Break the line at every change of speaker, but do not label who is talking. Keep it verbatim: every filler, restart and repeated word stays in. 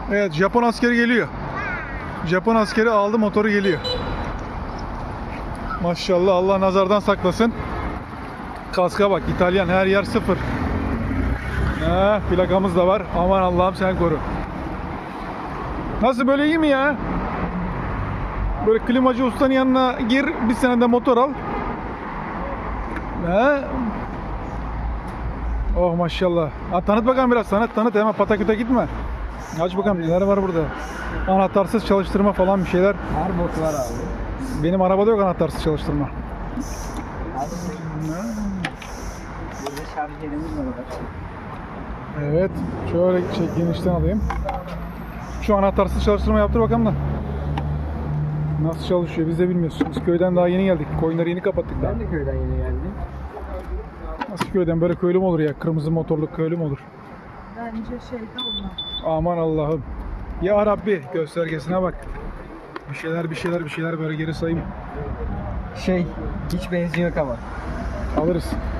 Evet, Japon askeri geliyor. Japon askeri aldı motoru, geliyor. Maşallah, Allah nazardan saklasın. Kaska bak, İtalyan, her yer sıfır. Heh, plakamız da var. Aman Allah'ım sen koru. Nasıl, böyle iyi mi ya? Böyle klimacı ustanın yanına gir, bir senede motor al. He? Oh maşallah. Ha, tanıt bakalım biraz, tanıt tanıt, hemen pataküte gitme. Aç bakalım neler var burada. Anahtarsız çalıştırma falan bir şeyler.
Her bot var abi.
Benim arabada yok anahtarsız çalıştırma.
Burada şarj yerimiz var.
Evet, şöyle şey, genişten alayım. Şu anahtarsız çalıştırma yaptır bakalım da. Nasıl çalışıyor biz de bilmiyoruz. Biz köyden daha yeni geldik. Koyunları yeni kapattık daha.
Ben de köyden yeni geldim.
Nasıl köyden, böyle köylü mü olur ya? Kırmızı motorlu köylü mü olur?
Bence şeyde olmaz.
Aman Allah'ım. Ya Rabbi, göstergesine bak. Bir şeyler bir şeyler bir şeyler böyle geri sayayım.
Şey, hiç benzin yok ama.
Alırız.